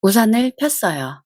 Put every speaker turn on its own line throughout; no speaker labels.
우산을 폈어요.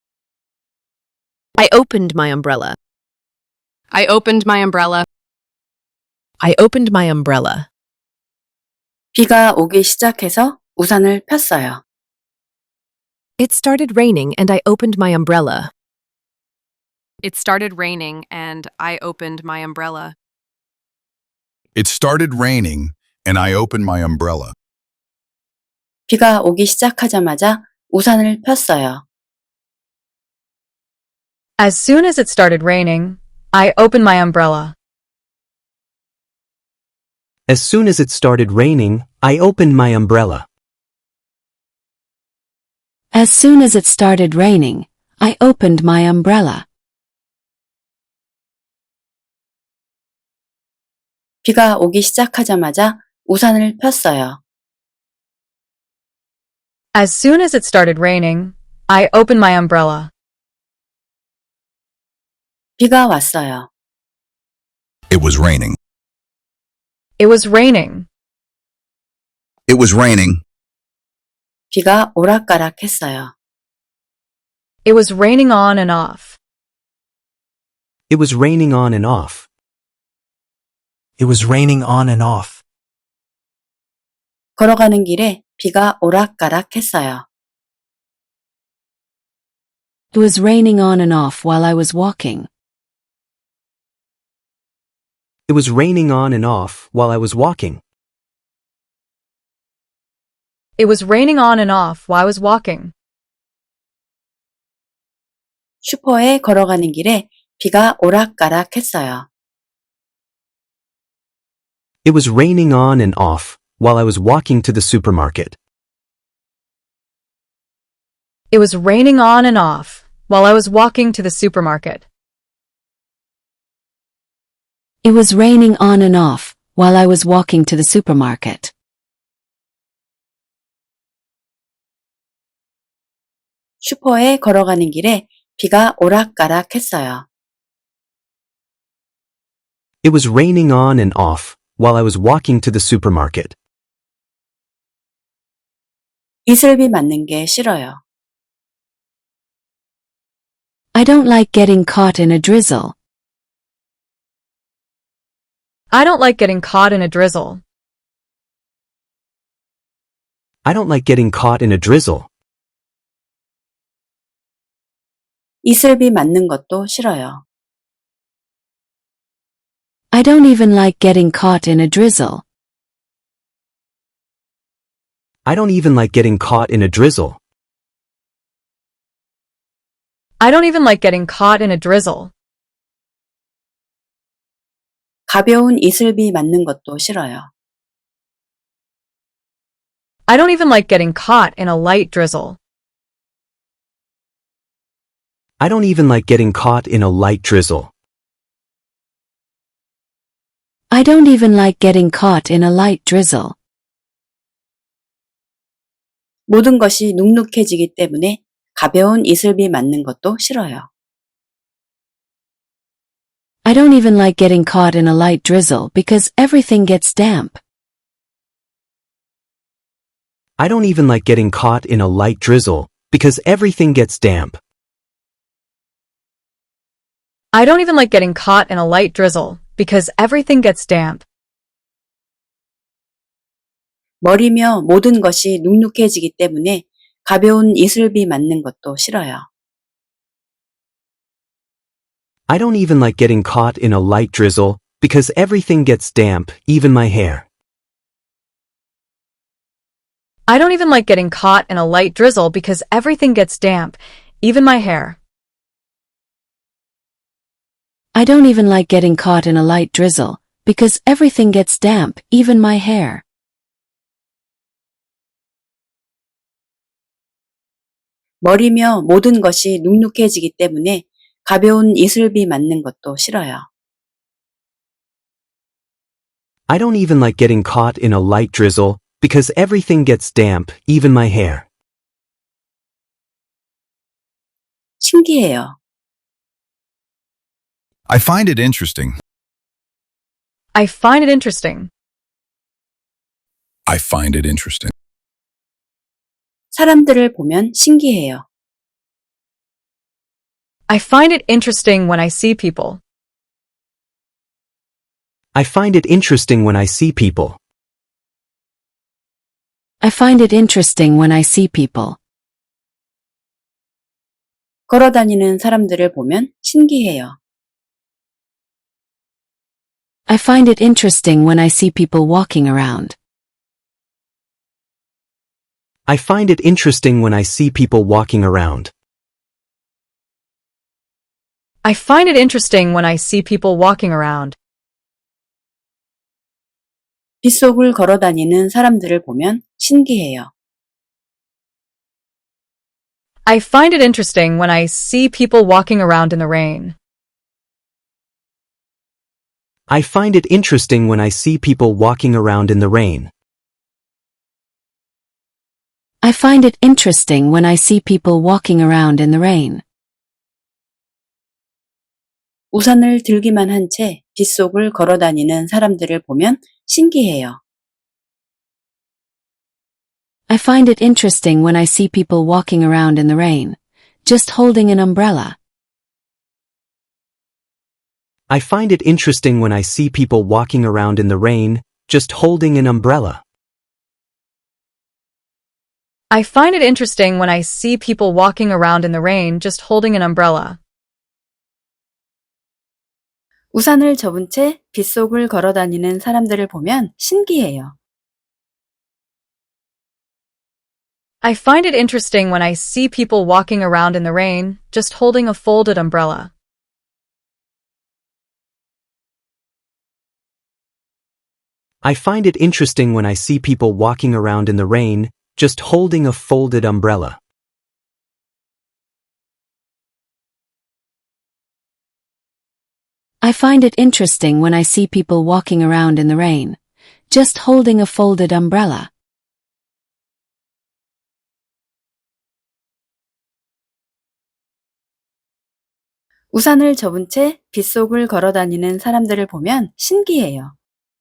I opened my umbrella.
I opened my umbrella.
I opened my umbrella.
비가 오기 시작해서 우산을 폈어요.
It started raining and I opened my umbrella.
It started raining and I opened my umbrella.
It started raining, and I opened my umbrella.
비가 오기 시작하자마자 우산을 폈어요.
As soon as it started raining, I opened my umbrella.
As soon as it started raining, I opened my umbrella.
As soon as it started raining, I opened my umbrella.
비가 오기 시작하자마자 우산을 폈어요.
As soon as it started raining, I opened my umbrella.
비가 왔어요.
It was raining.
It was raining.
It was raining.
비가 오락가락했어요.
It was raining on and off.
It was raining on and off.
It was raining on and off.
걸어가는 길에 비가 오락가락했어요.
It was raining on and off while I was walking.
It was raining on and off while I was walking.
It was raining on and off while I was walking.
슈퍼에 걸어가는 길에 비가 오락가락했어요.
It was raining on and off while I was walking to the supermarket.
It was raining on and off while I was walking to the supermarket.
It was raining on and off while I was walking to the supermarket.
슈퍼에 걸어가는 길에 비가 오락가락했어요.
It was raining on and off while I was walking to the supermarket.
이슬비 맞는 게 싫어요.
I don't like getting caught in a drizzle.
I don't like getting caught in a drizzle.
I don't like getting caught in a drizzle.
이슬비 맞는 것도 싫어요.
I don't even like getting caught in a drizzle.
I don't even like getting caught in a drizzle.
I don't even like getting caught in a drizzle.
가벼운 이슬비 맞는 것도 싫어요.
I don't even like getting caught in a light drizzle.
I don't even like getting caught in a light drizzle.
I don't even like getting caught in a light drizzle.
모든 것이 눅눅해지기 때문에 가벼운 이슬비 맞는 것도 싫어요.
I don't even like getting caught in a light drizzle because everything gets damp.
I don't even like getting caught in a light drizzle because everything gets damp.
I don't even like getting caught in a light drizzle because everything gets damp.
머리며 모든 것이 눅눅해지기 때문에 가벼운 이슬비 맞는 것도 싫어요.
I don't even like getting caught in a light drizzle because everything gets damp, even my hair.
I don't even like getting caught in a light drizzle because everything gets damp, even my hair.
I don't even like getting caught in a light drizzle because everything gets damp, even my hair.
머리며 모든 것이 눅눅해지기 때문에 가벼운 이슬비 맞는 것도 싫어요.
I don't even like getting caught in a light drizzle because everything gets damp, even my hair.
신기해요.
I find it interesting.
I find it interesting.
I find it interesting.
사람들을 보면 신기해요.
I find it interesting when I see people.
I find it interesting when I see people.
I find it interesting when I see people.
걸어 다니는 사람들을 보면 신기해요.
I find it interesting when I see people walking around.
I find it interesting when I see people walking around.
I find it interesting when I see people walking around.
빗속을 걸어 다니는 사람들을 보면 신기해요.
I find it interesting when I see people walking around in the rain.
I find it interesting when I see people walking around in the rain.
I find it interesting when I see people walking around in the rain.
우산을 들기만 한 채 빗속을 걸어 다니는 사람들을 보면 신기해요.
I find it interesting when I see people walking around in the rain, just holding an umbrella.
I find it interesting when I see people walking around in the rain, just holding an umbrella.
I find it interesting when I see people walking around in the rain just holding an umbrella.
우산을 접은 채 빗속을 걸어 다니는 사람들을 보면 신기해요.
I find it interesting when I see people walking around in the rain just holding a folded umbrella.
I find it interesting when I see people walking around in the rain, just holding a folded umbrella.
I find it interesting when I see people walking around in the rain, just holding a folded umbrella.
우산을 접은 채 빗속을 걸어 다니는 사람들을 보면 신기해요.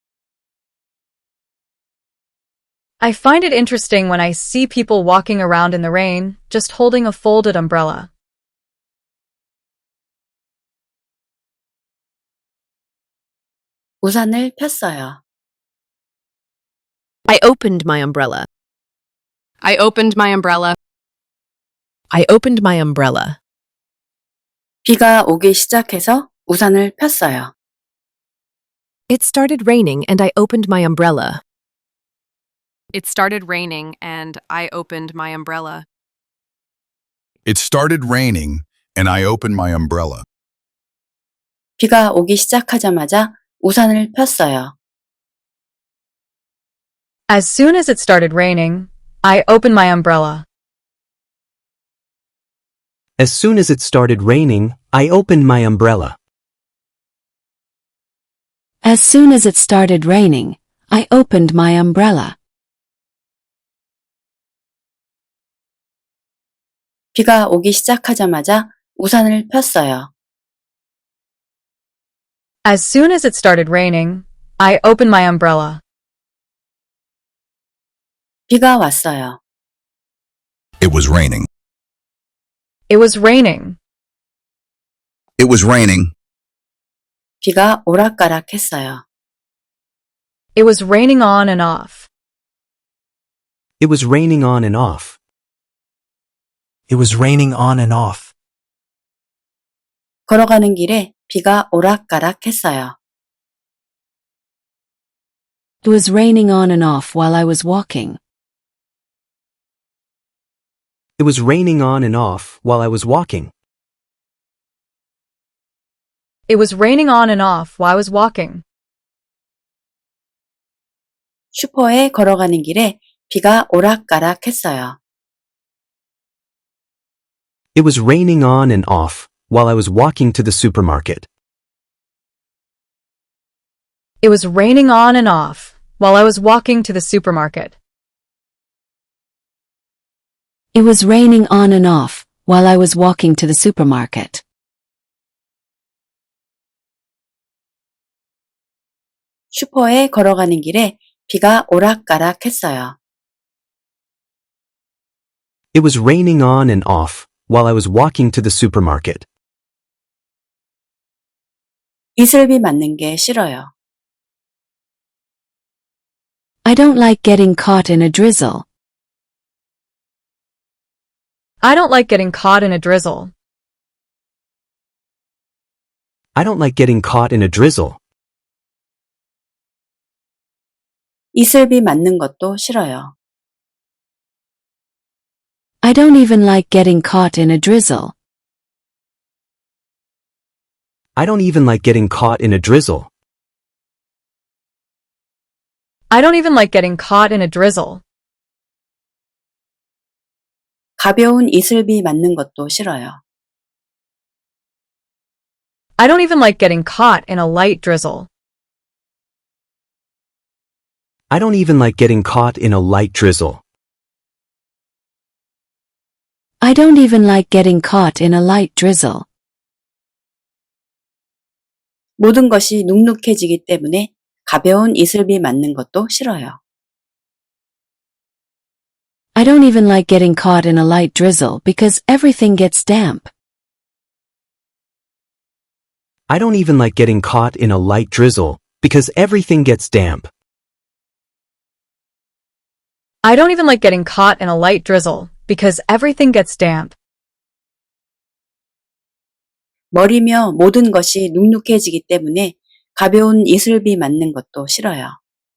I find it interesting when I see people walking around in the rain just holding a folded umbrella.
우산을 폈어요.
I opened my umbrella.
I opened my umbrella.
I opened my umbrella.
비가 오기 시작해서 우산을 폈어요.
It started raining and I opened my umbrella.
It started raining and I opened my umbrella.
It started raining, and I opened my umbrella.
비가 오기 시작하자마자 우산을 폈어요.
As soon as it started raining, I opened my umbrella.
As soon as it started raining, I opened my umbrella.
As soon as it started raining, I opened my umbrella.
비가 오기 시작하자마자 우산을 폈어요.
As soon as it started raining, I opened my umbrella.
비가 왔어요.
It was raining.
It was raining.
It was raining.
비가 오락가락했어요.
It was raining on and off.
It was raining on and off.
It was raining on and off.
걸어가는 길에 비가 오락가락했어요.
It was raining on and off while I was walking.
It was raining on and off while I was walking.
It was raining on and off while I was walking.
슈퍼에 걸어가는 길에 비가 오락가락했어요.
It was raining on and off while I was walking to the supermarket.
It was raining on and off while I was walking to the supermarket.
It was raining on and off while I was walking to the supermarket.
슈퍼에 걸어가는 길에 비가 오락가락했어요.
It was raining on and off while I was walking to the supermarket.
이슬비 맞는 게 싫어요.
I don't like getting caught in a drizzle.
I don't like getting caught in a drizzle.
I don't like getting caught in a drizzle.
이슬비 맞는 것도 싫어요.
I don't even like getting caught in a drizzle.
I don't even like getting caught in a drizzle.
I don't even like getting caught in a drizzle.
가벼운 이슬비 맞는 것도 싫어요.
I don't even like getting caught in a light drizzle.
I don't even like getting caught in a light drizzle.
I don't even like getting caught in a light drizzle.
모든 것이 눅눅해지기 때문에 가벼운 이슬비 맞는 것도 싫어요.
I don't even like getting caught in a light drizzle because everything gets damp.
I don't even like getting caught in a light drizzle because everything gets damp.
I don't even like getting caught in a light drizzle because everything gets damp.
머리며 모든 것이 눅눅해지기 때문에 가벼운 이슬비 맞는 것도 싫어요.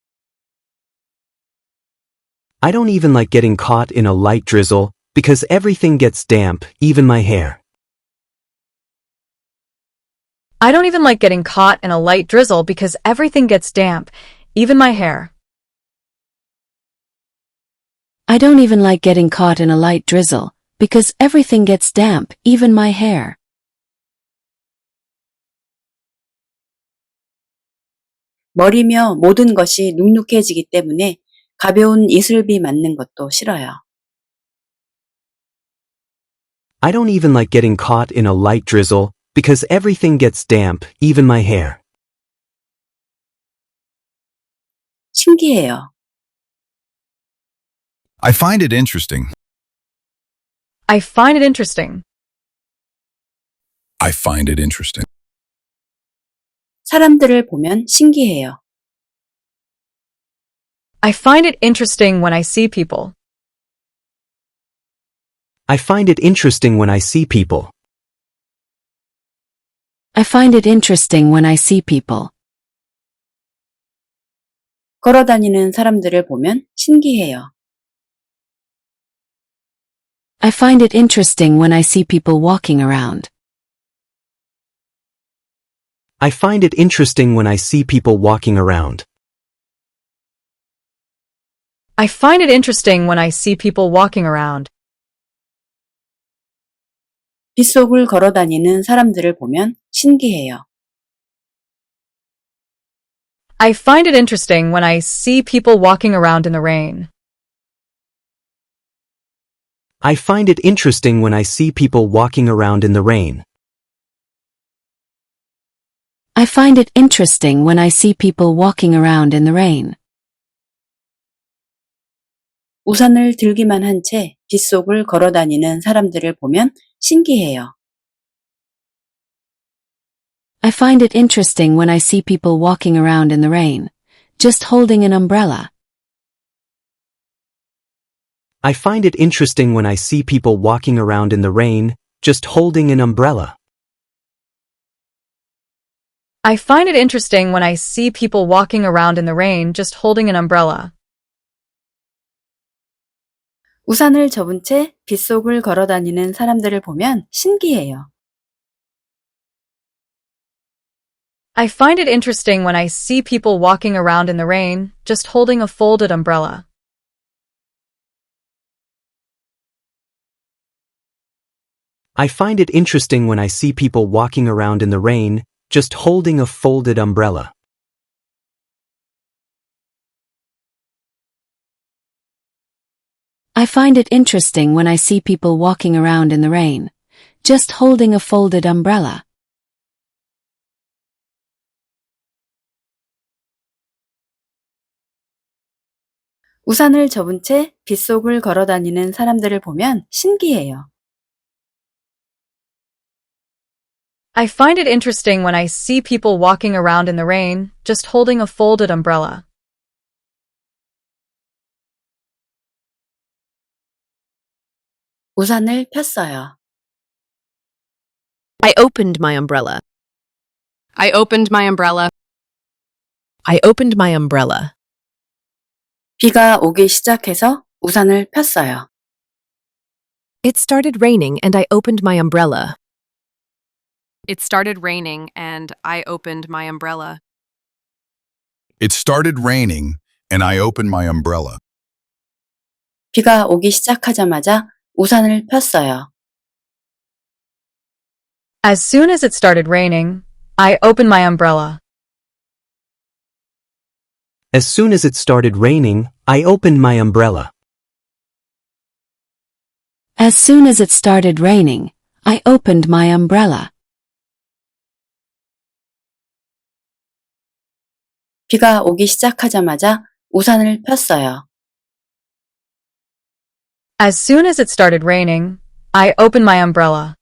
I don't even like getting caught in a light drizzle because everything gets damp, even my hair.
I don't even like getting caught in a light drizzle because everything gets damp, even my hair.
I don't even like getting caught in a light drizzle because everything gets damp, even my hair.
머리며 모든 것이 눅눅해지기 때문에 가벼운 이슬비 맞는 것도 싫어요.
I don't even like getting caught in a light drizzle because everything gets damp, even my hair.
신기해요.
I find it interesting.
I find it interesting.
I find it interesting.
사람들을 보면 신기해요.
I find it interesting when I see people.
I find it interesting when I see people.
I find it interesting when I see people.
걸어다니는 사람들을 보면 신기해요.
I find it interesting when I see people walking around.
I find it interesting when I see people walking around.
I find it interesting when I see people walking around.
빗속을 걸어다니는 사람들을 보면 신기해요.
I find it interesting when I see people walking around in the rain.
I find it interesting when I see people walking around in the rain.
I find it interesting when I see people walking around in the rain.
우산을 들기만 한 채 빗속을 걸어다니는 사람들을 보면 신기해요.
I find it interesting when I see people walking around in the rain, just holding an umbrella.
I find it interesting when I see people walking around in the rain, just holding an umbrella.
I find it interesting when I see people walking around in the rain just holding an umbrella.
우산을 접은 채 빗속을 걸어다니는 사람들을 보면 신기해요.
I find it interesting when I see people walking around in the rain just holding a folded umbrella.
I find it interesting when I see people walking around in the rain, just holding a folded umbrella.
I find it interesting when I see people walking around in the rain, just holding a folded umbrella.
우산을 접은 채 빗속을 걸어 다니는 사람들을 보면 신기해요.
I find it interesting when I see people walking around in the rain, just holding a folded umbrella.
우산을 폈어요.
I opened my umbrella.
I opened my umbrella.
I opened my umbrella.
비가 오기 시작해서 우산을 폈어요.
It started raining and I opened my umbrella.
It started raining and I opened my umbrella.
It started raining, and I opened my umbrella.
비가 오기 시작하자마자 우산을 폈어요.
As soon as it started raining, I opened my umbrella.
As soon as it started raining, I opened my umbrella.
As soon as it started raining, I opened my umbrella.
비가 오기 시작하자마자 우산을 폈어요.
As soon as it started raining, I opened my umbrella.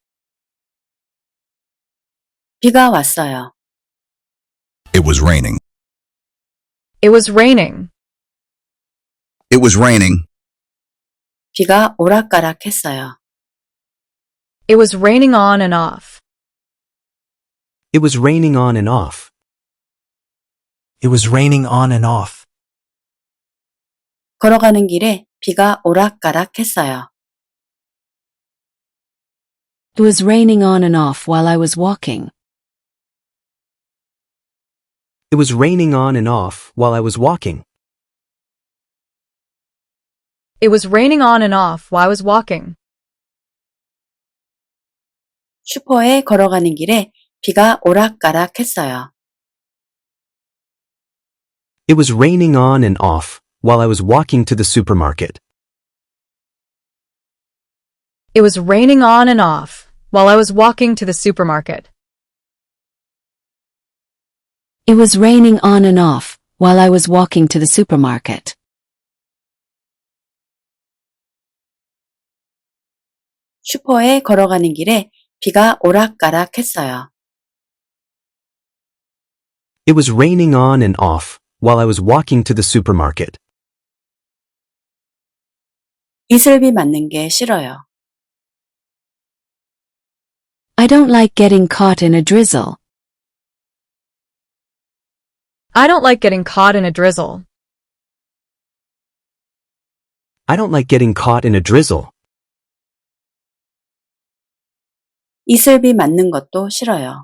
비가 왔어요.
It was raining.
It was raining.
It was raining.
비가 오락가락했어요.
It was raining on and off.
It was raining on and off.
It was raining on and off.
걸어가는 길에 비가 오락가락했어요.
It was raining on and off while I was walking.
It was raining on and off while I was walking.
It was raining on and off while I was walking.
슈퍼에 걸어가는 길에 비가 오락가락했어요.
It was raining on and off while I was walking to the supermarket.
It was raining on and off while I was walking to the supermarket.
It was raining on and off while I was walking to the supermarket.
슈퍼에 걸어가는 길에 비가 오락가락했어요.
It was raining on and off while I was walking to the supermarket.
이슬비 맞는 게 싫어요.
I don't like getting caught in a drizzle.
I don't like getting caught in a drizzle.
I don't like getting caught in a drizzle.
이슬비 맞는 것도 싫어요.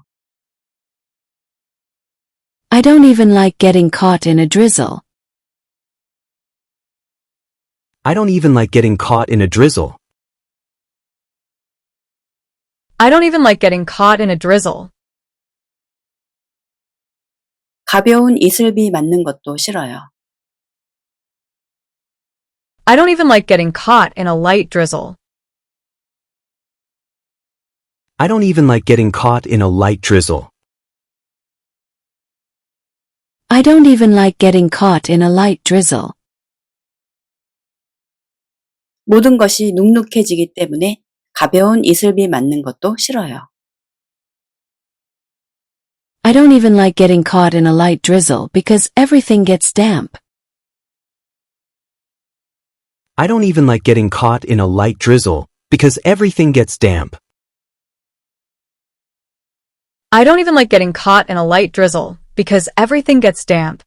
I don't even like getting caught in a drizzle.
I don't even like getting caught in a drizzle.
I don't even like getting caught in a drizzle.
가벼운 이슬비 맞는 것도 싫어요.
I don't even like getting caught in a light drizzle.
I don't even like getting caught in a light drizzle.
I don't even like getting caught in a light drizzle.
모든 것이 눅눅해지기 때문에 가벼운 이슬비 맞는 것도 싫어요.
I don't even like getting caught in a light drizzle because everything gets damp.
I don't even like getting caught in a light drizzle because everything gets damp.
I don't even like getting caught in a light drizzle because everything gets damp.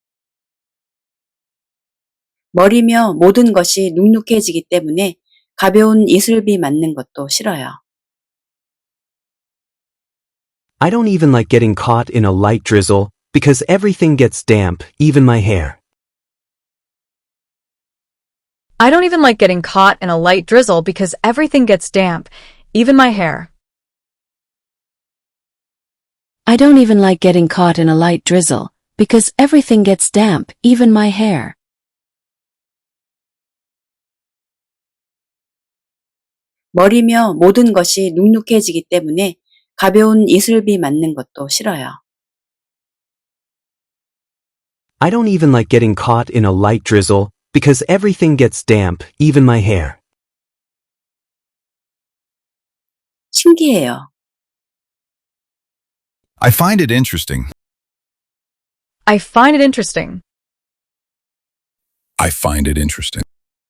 머리며 모든 것이 눅눅해지기 때문에 가벼운 이슬비 맞는 것도 싫어요.
I don't even like getting caught in a light drizzle because everything gets damp, even my hair.
I don't even like getting caught in a light drizzle because everything gets damp, even my hair.
I don't even like getting caught in a light drizzle because everything gets damp, even my hair.
머리며 모든 것이 눅눅해지기 때문에 가벼운 이슬비 맞는 것도 싫어요.
I don't even like getting caught in a light drizzle because everything gets damp, even my hair.
신기해요.
I find it interesting.
I find it interesting.
I find it interesting.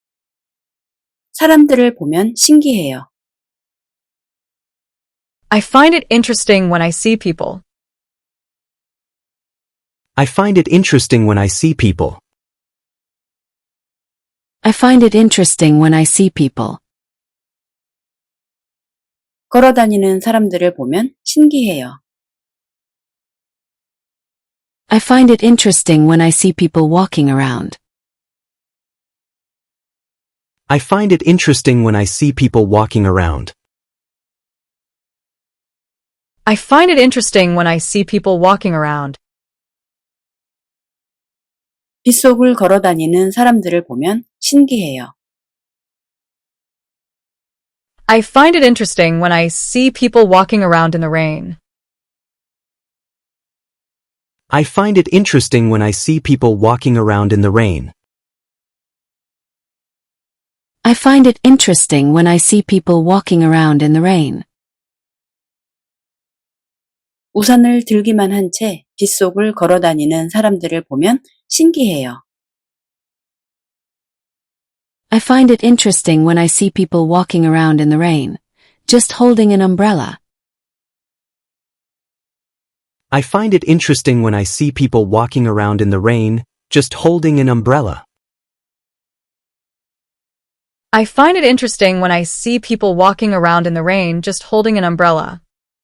사람들을 보면 신기해요.
I find it interesting when I see people.
I find it interesting when I see people.
I find it interesting when I see people.
걸어 다니는 사람들을 보면 신기해요.
I find it interesting when I see people walking around.
I find it interesting when I see people walking around.
I find it interesting when I see people walking around.
빗속을 걸어 다니는 사람들을 보면 신기해요.
I find it interesting when I see people walking around in the rain.
I find it interesting when I see people walking around in the rain.
I find it interesting when I see people walking around in the rain.
우산을 들기만 한 채 빗속을 걸어 다니는 사람들을 보면 신기해요.
I find it interesting when I see people walking around in the rain, just holding an umbrella.
I find it interesting when I see people walking around in the rain, just holding an umbrella.
I find it interesting when I see people walking around in the rain just holding an umbrella.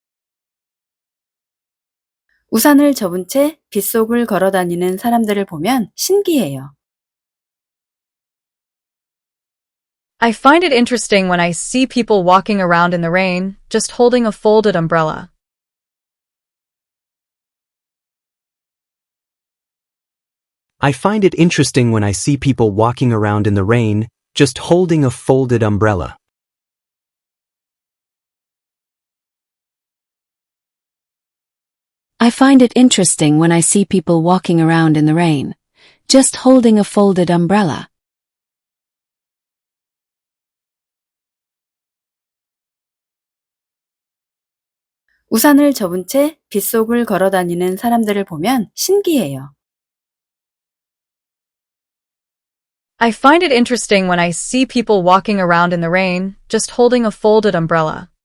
우산을 접은 채 빗속을 걸어 다니는 사람들을 보면 신기해요.
I find it interesting when I see people walking around in the rain just holding a folded umbrella.
I find it interesting when I see people walking around in the rain, just holding a folded umbrella.
I find it interesting when I see people walking around in the rain, just holding a folded umbrella.
우산을 접은 채 빗속을 걸어 다니는 사람들을 보면 신기해요.
I find it interesting when I see people walking around in the rain just holding a folded umbrella.